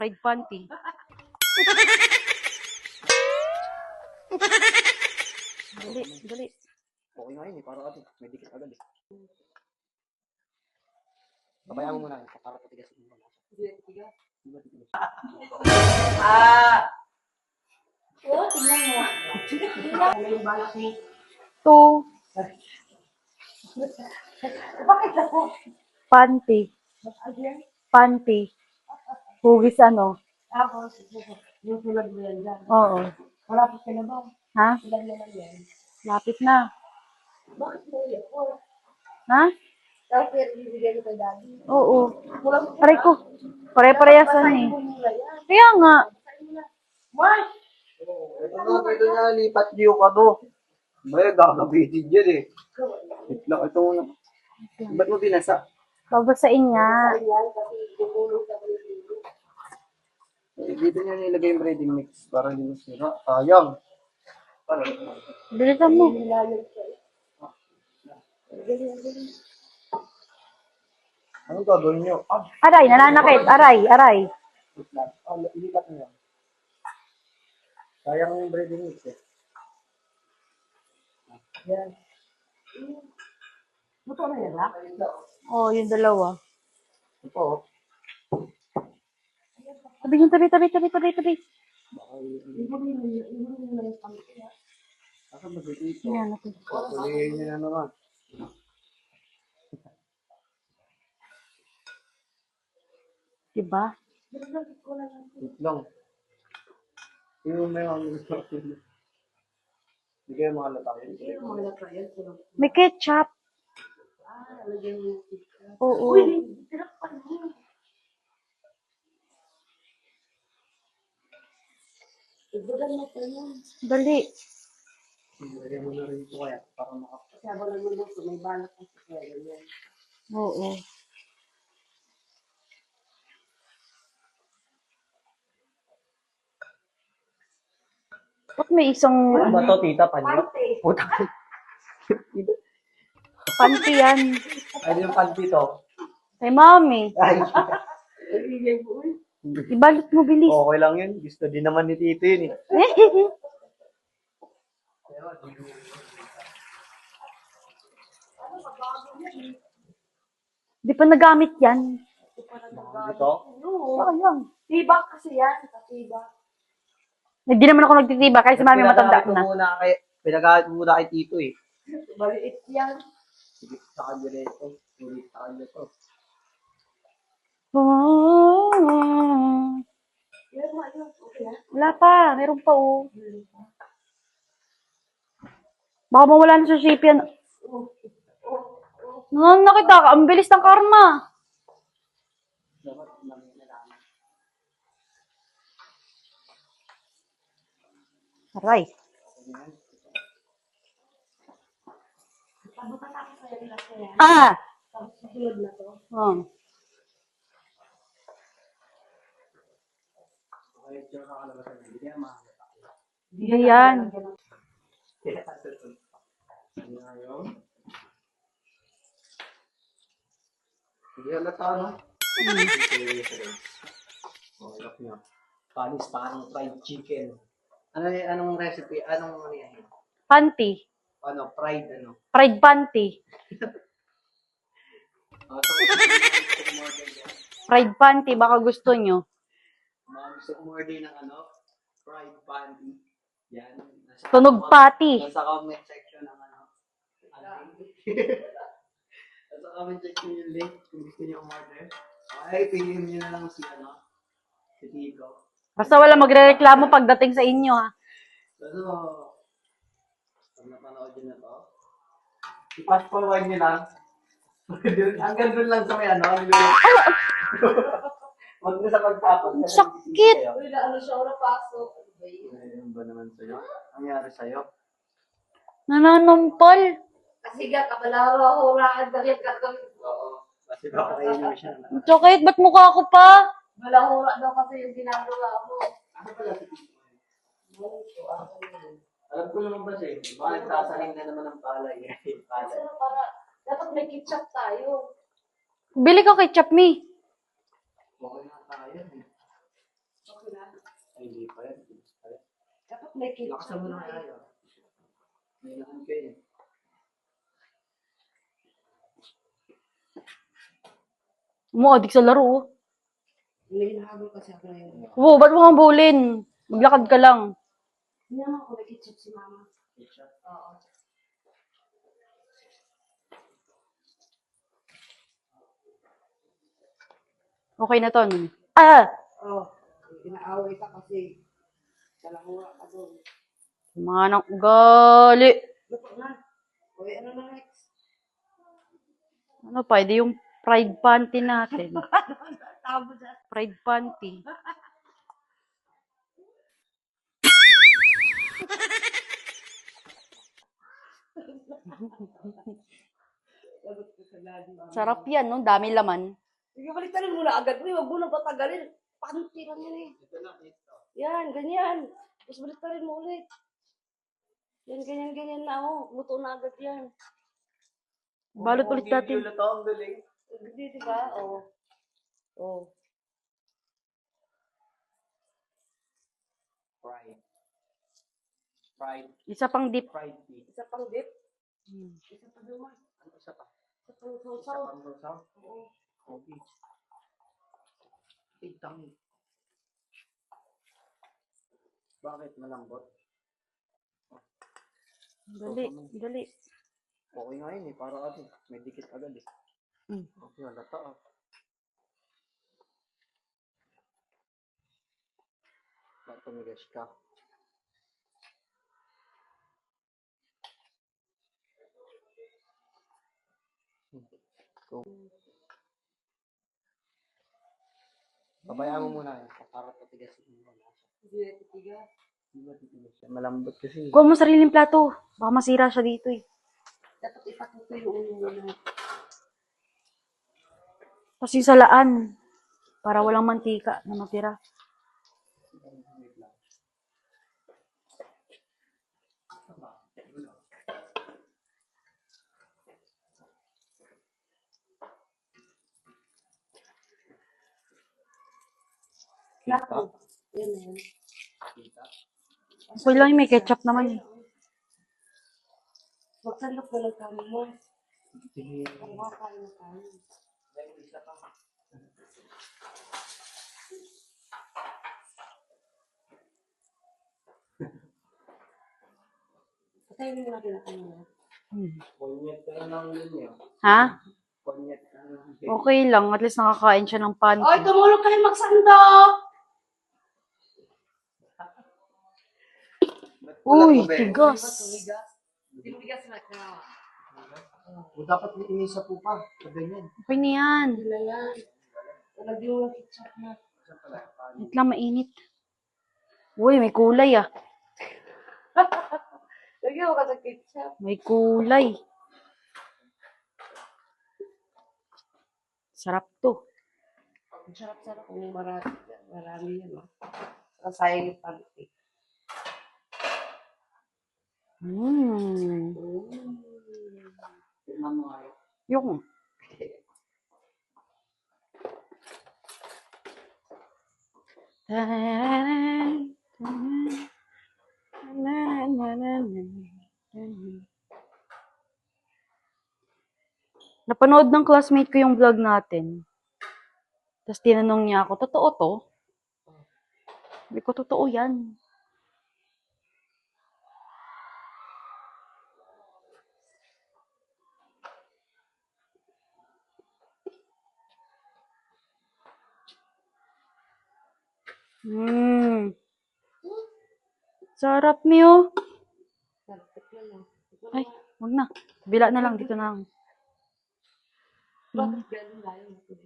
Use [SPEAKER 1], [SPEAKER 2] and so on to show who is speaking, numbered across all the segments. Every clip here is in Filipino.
[SPEAKER 1] Pride panty. Dali, dali.
[SPEAKER 2] Okay nga yun eh, para kasi may dikit agad eh. Babayaan mo muna yun, para patigas yung mga.
[SPEAKER 3] Oo, tingnan mo. May balak ni...
[SPEAKER 1] Two.
[SPEAKER 3] Bakit ako?
[SPEAKER 1] Panty. Panty. Hugis ano?
[SPEAKER 3] Ako, yung tulad mo yan dyan.
[SPEAKER 1] Oo.
[SPEAKER 3] Malapit ka na ba?
[SPEAKER 1] Ha?
[SPEAKER 3] Ilan naman yan?
[SPEAKER 1] Lapit na.
[SPEAKER 3] Bakit mo yan?
[SPEAKER 1] Ha?
[SPEAKER 3] Tapos pero bibigyan ko kay daddy.
[SPEAKER 1] Oo.
[SPEAKER 3] Walang
[SPEAKER 1] Aray ko. Pare-parehasan eh.
[SPEAKER 3] mula yan.
[SPEAKER 1] Kaya nga.
[SPEAKER 3] Mark!
[SPEAKER 2] Ito nga, dito niya, lipat niyo ka to. May gagabitin dyan eh. Wait lang, ito muna. Ba't mo binasa?
[SPEAKER 1] Babasain nga.
[SPEAKER 3] Yan, kasi gugulong sa bibili.
[SPEAKER 2] Dito niya nilagay yung ready mix para hindi masira. Sayang. Para.
[SPEAKER 1] Bilisan mo.
[SPEAKER 3] Nilalag siya.
[SPEAKER 2] Anong gagawin niyo?
[SPEAKER 1] Aray, nananakit. Aray, aray.
[SPEAKER 2] Wait lang. Ilipat niyo. Sayang yung ready mix eh.
[SPEAKER 3] Yan. Buto na yan, ha?
[SPEAKER 1] Oo, yung dalawa.
[SPEAKER 2] Ito.
[SPEAKER 1] Tabi yung tabi.
[SPEAKER 2] Asa ba dito?
[SPEAKER 1] Yan natin.
[SPEAKER 2] Kulihin niyo na naman.
[SPEAKER 1] Diba?
[SPEAKER 2] Wait lang. Yung may mga hindi kayo mga latakin.
[SPEAKER 1] May ketchup. Oo. Dali.
[SPEAKER 2] Lagyan mo na rin ito kaya para makapag.
[SPEAKER 3] Kasi habang nagluluto, may balak kasi kaya ganyan.
[SPEAKER 1] Oo. Ba't may isang
[SPEAKER 2] Ano ba to, tita? Panyo?
[SPEAKER 3] Pante.
[SPEAKER 2] Puta.
[SPEAKER 1] panty yan?
[SPEAKER 2] Ano yung panty to?
[SPEAKER 1] Kay mami.
[SPEAKER 2] Ay,
[SPEAKER 3] Ibigay mo, uy.
[SPEAKER 1] Ibalot mo bilis.
[SPEAKER 2] okay lang yun. Gusto din naman ni tito yun eh.
[SPEAKER 1] Di pa nagamit yan.
[SPEAKER 2] Ito?
[SPEAKER 3] Oo.
[SPEAKER 1] Sayang.
[SPEAKER 3] Tibak kasi yan. Tibak.
[SPEAKER 1] Hindi naman ako nagtitiba kasi mami matanda na.
[SPEAKER 2] Pinagamit mo muna kay tito eh.
[SPEAKER 3] Maliit yan.
[SPEAKER 2] Sige, sa kanya na ito. Ulit sa kanya to.
[SPEAKER 3] Yan mo, yun. Okay, ha?
[SPEAKER 1] Wala pa. Meron pa oh. Baka mawala na sa shape yan. Nakita ka. Ang bilis ng karma.
[SPEAKER 2] Dapat namin nalaman.
[SPEAKER 1] Aray.
[SPEAKER 3] Pabutan ako sa yan lang yan.
[SPEAKER 1] Ah!
[SPEAKER 3] Tapos susunod na to.
[SPEAKER 1] Oh.
[SPEAKER 2] Okay, diyan ka kalabasan. Hindi kaya mahalata.
[SPEAKER 1] Hindi yan.
[SPEAKER 2] Kaya ito. Ngayon. Hindi halata, no? Oh, look nyo. Panis parang fried chicken. Anong recipe? Anong ano yan?
[SPEAKER 1] Panty.
[SPEAKER 2] Ano? Fried ano?
[SPEAKER 1] Pride panty.
[SPEAKER 2] So, gusto umorder yan.
[SPEAKER 1] Pride panty. Baka gusto nyo.
[SPEAKER 2] Mga gusto umorder ng ano? Fried panty. Yan.
[SPEAKER 1] Tunog pati.
[SPEAKER 2] Nasa comment section ng ano? Nasa comment section yung link kung gusto niyo umorder. Okay, piliin niyo na lang si ano? Si Tito.
[SPEAKER 1] Basta wala magre-reklamo pagdating sa inyo ha.
[SPEAKER 2] So, pag napanood nyo na to, i-fast forward nyo lang. Hanggang doon lang sa may ano. Huwag na sa pagtapos.
[SPEAKER 1] Sakit!
[SPEAKER 3] Uy, na ano siya, wala pasok. Ano ba yun?
[SPEAKER 2] Ano ba naman sa'yo? Ang nangyari sa'yo?
[SPEAKER 1] Nananampal.
[SPEAKER 3] Kasi nga, kabalahura-huraan na rin kakawin.
[SPEAKER 2] Oo. Kasi baka kainin mo siya.
[SPEAKER 1] Sakit, ba't mukha ko pa?
[SPEAKER 3] Balahura daw kasi yung ginagawa mo.
[SPEAKER 2] Ano pala si Tito? Alam ko naman ba siya? Baka nagsasaling na naman ng palay. Palay.
[SPEAKER 3] Kasi para, dapat may ketchup tayo.
[SPEAKER 1] Bili ka ketchup, me.
[SPEAKER 2] Okay na tayo. Ay, hindi pa yan.
[SPEAKER 3] Dapat may ketchup.
[SPEAKER 2] Lakasan mo na kaya. May lakan kayo.
[SPEAKER 1] Umuadik sa laro. Oh.
[SPEAKER 3] May hinahabol kasi ako ngayon.
[SPEAKER 1] Wow, ba't mo kang bulin? Maglakad ka lang.
[SPEAKER 3] Hindi naman ako may ketchup si mama. Oo.
[SPEAKER 1] Okay na to. Ah!
[SPEAKER 3] Oh, inaaway ka kasi dalawa ka doon.
[SPEAKER 1] Mga nang ugali.
[SPEAKER 3] Luto na. Uy, ano na next?
[SPEAKER 1] Ano pa, edi yung fried panty natin.
[SPEAKER 3] Tabo dyan.
[SPEAKER 1] Fried panty.
[SPEAKER 3] Lagot ko sa lagi.
[SPEAKER 1] Sarap yan, no? Dami laman.
[SPEAKER 3] Sige, baliktarin mo na agad. Uy, wag mo na patagalin. Panty lang yan eh.
[SPEAKER 2] Ito na, ito.
[SPEAKER 3] Yan, ganyan. Tapos baliktarin mo ulit. Yan, ganyan na ako. Luto na agad yan.
[SPEAKER 1] Balot ulit natin.
[SPEAKER 2] Video na to, ang galing.
[SPEAKER 3] Hindi, di ba? Oo. Oo.
[SPEAKER 2] Fried. Fried.
[SPEAKER 1] Isa pang dip.
[SPEAKER 2] Fried beef.
[SPEAKER 3] Isa pang dip. Isa pa naman.
[SPEAKER 2] Ano isa pa?
[SPEAKER 3] Isa pang
[SPEAKER 2] Isa
[SPEAKER 3] sausaw.
[SPEAKER 2] pang sausaw?
[SPEAKER 3] Oo.
[SPEAKER 2] Okay. Itang. Bakit malambot?
[SPEAKER 1] Dali, dali.
[SPEAKER 2] Okay nga yun eh, para kasi may dikit agad eh. Okay, halata ah. Ba't tumigas ka? So, pabayaan mo muna yan para patigasin mo muna siya.
[SPEAKER 3] Hindi na titigas.
[SPEAKER 2] Di ba titigas siya? Malambot kasi.
[SPEAKER 1] Kuha mo sariling plato. Baka masira siya dito eh.
[SPEAKER 3] Dapat ipatuto yung ulo mo na.
[SPEAKER 1] Tapos yung salaan. Para walang mantika na matira.
[SPEAKER 3] Lahat. Yan na yan.
[SPEAKER 1] Okay lang yung may ketchup naman eh.
[SPEAKER 3] Magsandok mo lang kami mo.
[SPEAKER 2] Sige.
[SPEAKER 3] Ang makakain na tayo. Patayin mo natin ang ano.
[SPEAKER 2] Konyet ka na lang yun eh.
[SPEAKER 1] Ha?
[SPEAKER 2] Konyet ka na lang.
[SPEAKER 1] Okay lang. At least nakakain siya ng panty.
[SPEAKER 3] Oy, tumulong kayo magsandok!
[SPEAKER 1] Uy, tigas.
[SPEAKER 3] Timigas na ka.
[SPEAKER 2] O dapat may inisa po pa. Pag ganyan.
[SPEAKER 1] Okay na yan.
[SPEAKER 3] Hindi na yan. Lagyan mo lang ketchup na.
[SPEAKER 1] Wait lang, mainit. Uy, may kulay ah.
[SPEAKER 3] Lagyan mo ka sa ketchup.
[SPEAKER 1] May kulay. Sarap to.
[SPEAKER 3] Ang sarap-sarap kung marami yan. Saka sayang yung panty.
[SPEAKER 2] Tignan mo nga yun.
[SPEAKER 1] Yung. Napanood ng classmate ko yung vlog natin. Tapos tinanong niya ako, totoo to? Sabi ko, totoo yan. Sarap niyo. Ay, wag na. Bila na lang, dito na lang.
[SPEAKER 3] Bakit ganun layo?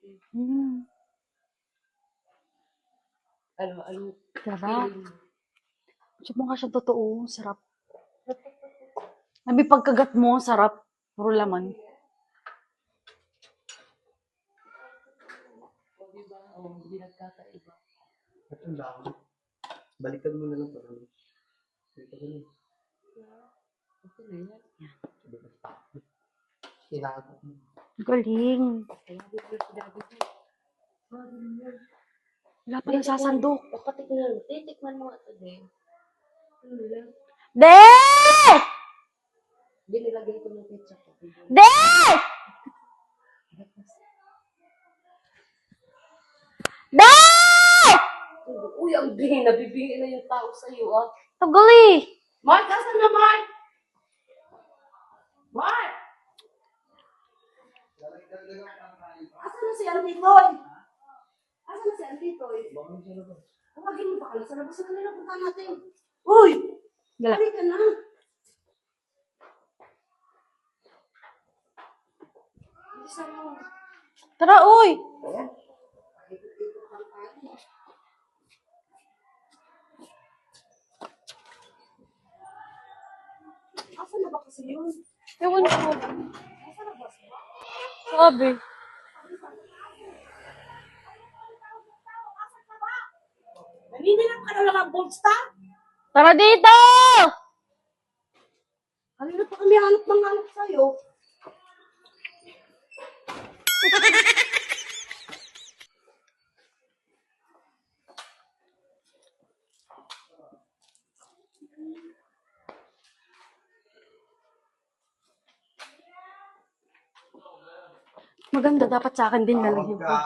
[SPEAKER 3] Ano?
[SPEAKER 1] Sarap. Subukan ka siya totoo. Sarap. May pagkagat mo, sarap. Puro laman.
[SPEAKER 3] Hindi nagkakaiba.
[SPEAKER 2] Ito lang. Balikan mo na lang para balikan mo na.
[SPEAKER 3] Ito na yan.
[SPEAKER 2] Kinago mo.
[SPEAKER 1] Galing.
[SPEAKER 3] Kaya dito na sinabi ko.
[SPEAKER 1] Wala pa nasasandok.
[SPEAKER 3] Titikman mo ito din. Ano lang?
[SPEAKER 1] De!
[SPEAKER 3] Di nilagay ko ng ketchup.
[SPEAKER 1] De! De!
[SPEAKER 3] Uy, ang bihin. Nabibingin na yung tao sa'yo, ah.
[SPEAKER 1] Tagali!
[SPEAKER 3] Mark, asan na, Mark? Mark! Asan na si Auntie Toy? Asan na si Auntie Toy? Tawagin mo pa ka na sa labas na kanila. Punta natin. Uy!
[SPEAKER 1] Gala.
[SPEAKER 3] Halika na. Bilisan mo.
[SPEAKER 1] Tara, uy!
[SPEAKER 3] Asan na ba kasi yun?
[SPEAKER 1] Ewan ko.
[SPEAKER 3] Asan na ba siya?
[SPEAKER 1] Sabi.
[SPEAKER 3] Naninilap ka na lang ang bolsta?
[SPEAKER 1] Tara dito!
[SPEAKER 3] Kanina pa kami hanap ng hanap sa'yo.
[SPEAKER 1] Maganda, dapat sa akin din lalagyan ko.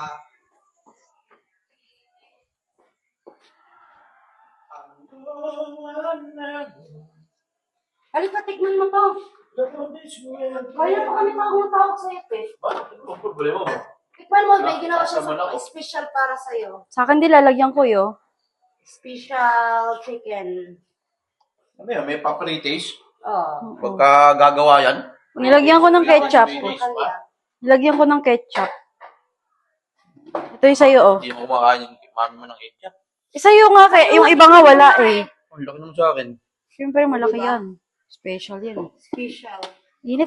[SPEAKER 3] Halika, tikman mo to. Kaya pa kami tawag sa'yo, eh.
[SPEAKER 2] Ang problema mo.
[SPEAKER 3] Tikman mo, may ginawa siya sa special para sa'yo.
[SPEAKER 1] Sa akin din lalagyan ko yo.
[SPEAKER 3] Special chicken.
[SPEAKER 2] Ano yan? May papritis?
[SPEAKER 3] Oh.
[SPEAKER 2] Pagka gagawa yan?
[SPEAKER 1] Nilagyan ko ng ketchup.
[SPEAKER 3] Kanya.
[SPEAKER 1] Nilagyan ko ng ketchup. Ito yung sa'yo, oh.
[SPEAKER 2] Hindi mo kumakain yung mami mo ng ketchup.
[SPEAKER 1] Sa'yo nga, yung iba nga wala eh.
[SPEAKER 2] Ang laki naman sa akin.
[SPEAKER 1] Siyempre, malaki yan. Special yan.
[SPEAKER 3] Special.
[SPEAKER 1] Init.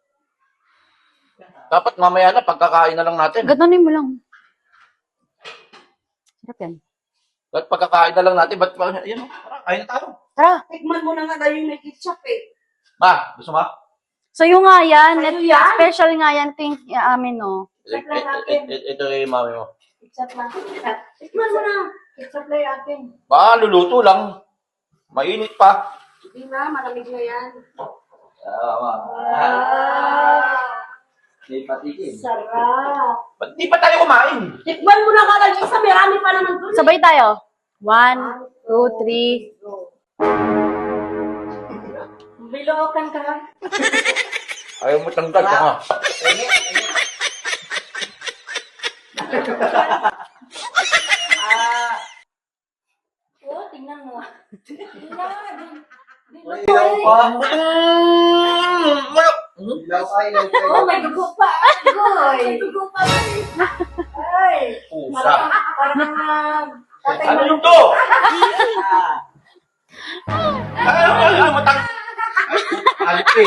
[SPEAKER 2] Dapat mamaya na, pagkakain na lang natin.
[SPEAKER 1] Ganonin mo lang. Sarap yan.
[SPEAKER 2] Dapat pagkakain na lang natin. Ba't yan o? Tara, kain na tayo.
[SPEAKER 1] Tara.
[SPEAKER 3] Tikman mo na nga dahil may ketchup, eh.
[SPEAKER 2] Ma, gusto mo?
[SPEAKER 1] Sa'yo nga yan.
[SPEAKER 3] Sa'yo yan?
[SPEAKER 1] Special nga yan. Ito yung amin, oh.
[SPEAKER 2] Ito yung mami mo.
[SPEAKER 3] Ketchup lang. Tikman mo na. Ketchup lang yung akin.
[SPEAKER 2] Baka luluto lang. Mainit pa.
[SPEAKER 3] Hindi na, malamig na yan.
[SPEAKER 2] Tama. Hindi patikin.
[SPEAKER 3] Sarap.
[SPEAKER 2] Ba't di pa tayo kumain?
[SPEAKER 3] Tikman mo na nga lang isa, marami pa naman dun.
[SPEAKER 1] Sabay tayo. 1, 2, 3.
[SPEAKER 3] Go. Bilookan ka.
[SPEAKER 2] Ayaw mo tanggal ka nga.
[SPEAKER 3] Oh, tingnan mo.
[SPEAKER 2] Ayaw pa. Malak.
[SPEAKER 3] Oh, may dugo pa. Agoy. May dugo pa. Ay.
[SPEAKER 2] Pusa.
[SPEAKER 3] Parang
[SPEAKER 2] Ano yung to? Ayaw mo tang... Alit eh.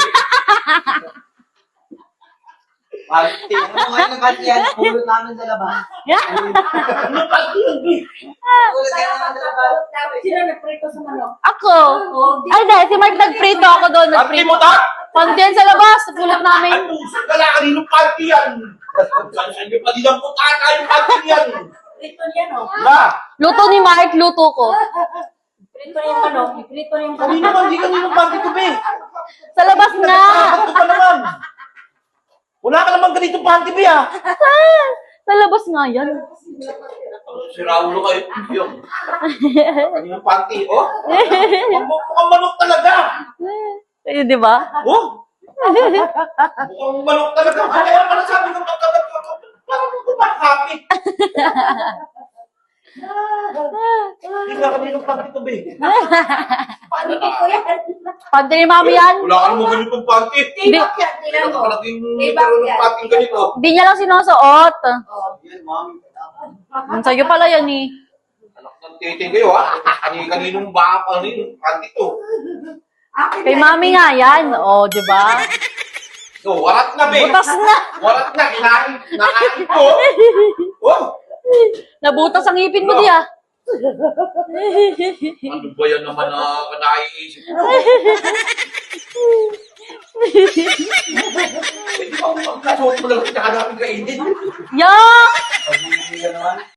[SPEAKER 2] Alit eh.
[SPEAKER 4] Ano ngayon ng kasi yan? Pulot namin sa labas.
[SPEAKER 2] Ano pa yun?
[SPEAKER 4] Pulot kayo naman sa labas.
[SPEAKER 3] Sino nagprito sa manok?
[SPEAKER 1] Ako. Ay, dahil si Mark nagprito ako doon.
[SPEAKER 2] Panty
[SPEAKER 1] Nagprito.
[SPEAKER 2] mo ta?
[SPEAKER 1] Pandiyan sa labas. Pulot namin.
[SPEAKER 2] Ay, pusa ka lang. Kaninong panty yan? Saan nyo pa din ang putaka yung panty yan?
[SPEAKER 3] Prito yan, oh.
[SPEAKER 2] Na!
[SPEAKER 1] Luto ni Mark, luto ko.
[SPEAKER 3] Prito yung manok. Prito yung
[SPEAKER 2] Kanino man, di kaninong panty ko, be?
[SPEAKER 1] Sa labas nga.
[SPEAKER 2] Bakit ko pa naman? Wala ka naman ganitong panty, be, ah.
[SPEAKER 1] Sa labas nga yan.
[SPEAKER 2] Si Raulo kayo. Yung. Kaninong panty, oh? Mukhang manok talaga.
[SPEAKER 1] Ayun, di ba?
[SPEAKER 2] Oh? Mukhang manok talaga. Kaya pala sabi ng pagkagat ko, parang kumakapit. Hindi nga kaninong panty to, be.
[SPEAKER 3] Panty ko yan.
[SPEAKER 1] Pante ni mami yan.
[SPEAKER 2] Wala ka naman ganitong panty.
[SPEAKER 3] Tibak yan, tingnan mo.
[SPEAKER 2] Malaking
[SPEAKER 3] Tibak
[SPEAKER 2] meron ng
[SPEAKER 3] yan.
[SPEAKER 2] panty ganito.
[SPEAKER 1] Di niya lang sinusuot.
[SPEAKER 3] Oh.
[SPEAKER 4] Yan, mami.
[SPEAKER 1] Sa'yo pala yan eh.
[SPEAKER 2] Anak ng tete kayo, ha? Kaninong baka, kaninong panty to.
[SPEAKER 3] Akin
[SPEAKER 1] Kay
[SPEAKER 3] yan.
[SPEAKER 1] mami nga yan. O, di ba?
[SPEAKER 2] So, warat na, be.
[SPEAKER 1] Butas na.
[SPEAKER 2] Warat na, kinain ko. Oh!
[SPEAKER 1] Nabutas ang ngipin mo di ah.
[SPEAKER 2] Ano ba yan naman na naiisip ko? Pwede ba kung pagkasuot mo lang sa namin kainin?
[SPEAKER 1] Yak!
[SPEAKER 4] Pag-ibig ka naman.